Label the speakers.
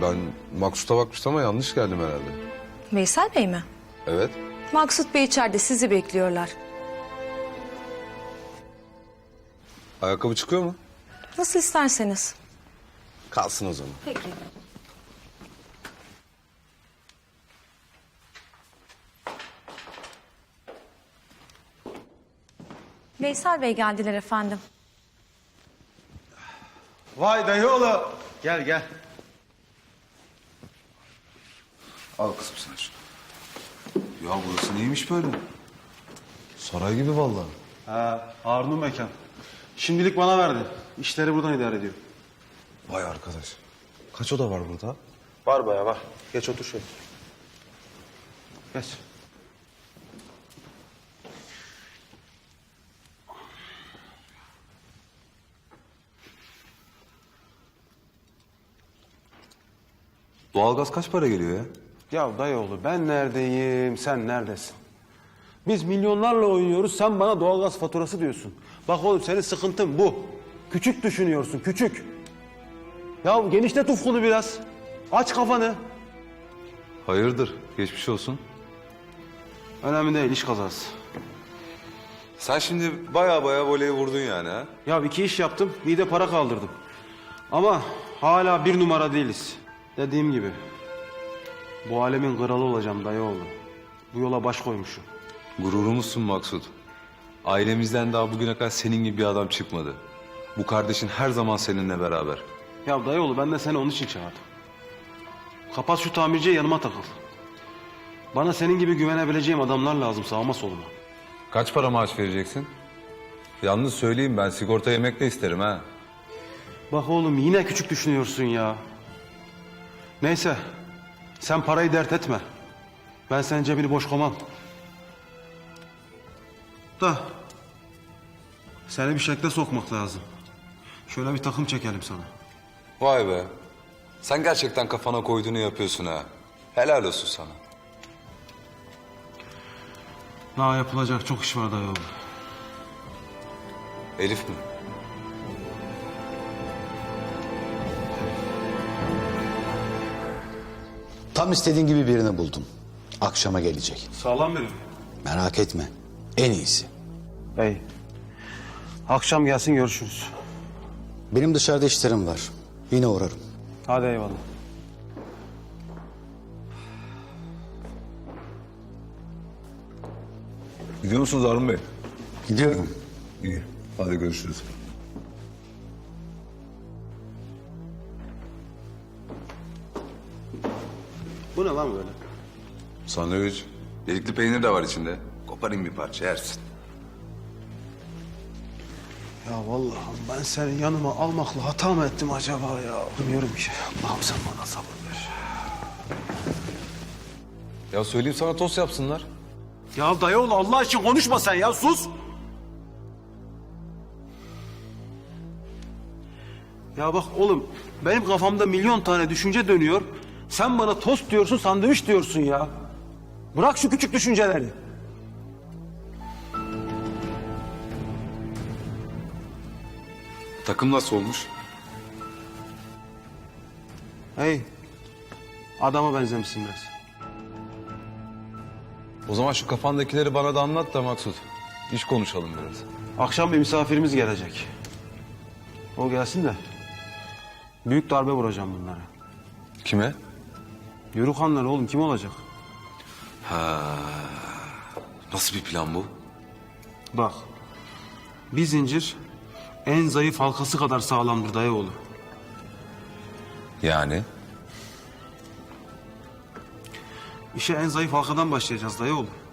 Speaker 1: Ben Maksut'a bakmıştım ama yanlış geldim herhalde.
Speaker 2: Veysel Bey mi?
Speaker 1: Evet.
Speaker 2: Maksut Bey içeride sizi bekliyorlar.
Speaker 1: Ayakkabı çıkıyor mu?
Speaker 2: Nasıl isterseniz.
Speaker 1: Kalsın o zaman.
Speaker 2: Peki. Veysel Bey geldiler efendim.
Speaker 3: Vay dayıoğlu. Gel gel.
Speaker 1: Al kızım sen şunu. Ya burası neymiş böyle? Saray gibi vallahi.
Speaker 3: Ha, Harun'un mekan. Şimdilik bana verdi. İşleri buradan idare ediyor.
Speaker 1: Vay arkadaş. Kaç oda var burada?
Speaker 3: Var bayağı var. Geç otur şöyle. Geç.
Speaker 1: Doğalgaz kaç para geliyor ya?
Speaker 3: Ya dayıoğlu ben neredeyim, sen neredesin? Biz milyonlarla oynuyoruz, sen bana doğalgaz faturası diyorsun. Bak oğlum senin sıkıntın bu. Küçük düşünüyorsun, küçük. Ya genişlet ufkunu biraz. Aç kafanı.
Speaker 1: Hayırdır? Geçmiş olsun.
Speaker 3: Önemli değil, iş kazası.
Speaker 1: Sen şimdi baya voleyi vurdun yani ha?
Speaker 3: Ya 2 iş yaptım, bir de para kaldırdım. Ama hala 1 numara değiliz. Dediğim gibi. Bu alemin kralı olacağım dayıoğlu. Bu yola baş koymuşum.
Speaker 1: Gururumuzsun Maksut. Ailemizden daha bugüne kadar senin gibi bir adam çıkmadı. Bu kardeşin her zaman seninle beraber.
Speaker 3: Ya dayıoğlu ben de seni onun için çağırdım. Kapat şu tamirciye, yanıma takıl. Bana senin gibi güvenebileceğim adamlar lazım sağıma soluma.
Speaker 1: Kaç para maaş vereceksin? Yalnız söyleyeyim, ben sigorta yemek de isterim ha.
Speaker 3: Bak oğlum yine küçük düşünüyorsun ya. Neyse sen parayı dert etme. Ben senin cebini boş koymam. Da seni bir şekle sokmak lazım. Şöyle bir takım çekelim sana.
Speaker 1: Vay be. Sen gerçekten kafana koyduğunu yapıyorsun ha. Helal olsun sana.
Speaker 3: Daha yapılacak çok iş var dayıoğlu.
Speaker 1: Elif mi?
Speaker 4: Tam istediğin gibi birini buldum. Akşama gelecek.
Speaker 3: Sağlam biri mi?
Speaker 4: Merak etme. En iyisi.
Speaker 3: Bey. Akşam gelsin görüşürüz.
Speaker 4: Benim dışarıda işlerim var. Yine uğrarım.
Speaker 3: Hadi eyvallah.
Speaker 1: Gidiyor musunuz Harun Bey?
Speaker 4: Gidiyorum.
Speaker 1: İyi. Hadi görüşürüz.
Speaker 3: Bu ne lan böyle?
Speaker 1: Sandviç. Delikli peynir de var içinde. Koparayım bir parça yersin.
Speaker 3: Ya vallahi ben seni yanıma almakla hata mı ettim acaba ya? Bilmiyorum ki. Allah'ım sen bana sabır ver.
Speaker 1: Ya söyleyeyim sana tost yapsınlar.
Speaker 3: Ya dayıoğlu Allah için konuşma sen ya sus. Ya bak oğlum benim kafamda milyon tane düşünce dönüyor. Sen bana tost diyorsun, sandviç diyorsun ya. Bırak şu küçük düşünceleri.
Speaker 1: Takım nasıl olmuş?
Speaker 3: Hey, adama benzemişsin biraz.
Speaker 1: O zaman şu kafandakileri bana da anlat da Maksut. İş konuşalım biraz.
Speaker 3: Akşam bir misafirimiz gelecek. O gelsin de büyük darbe vuracağım bunlara.
Speaker 1: Kime?
Speaker 3: Yörükhanlar oğlum kim olacak?
Speaker 1: Nasıl bir plan bu?
Speaker 3: Bak, bir zincir en zayıf halkası kadar sağlamdır dayıoğlu.
Speaker 1: Yani?
Speaker 3: İşe en zayıf halkadan başlayacağız dayıoğlu.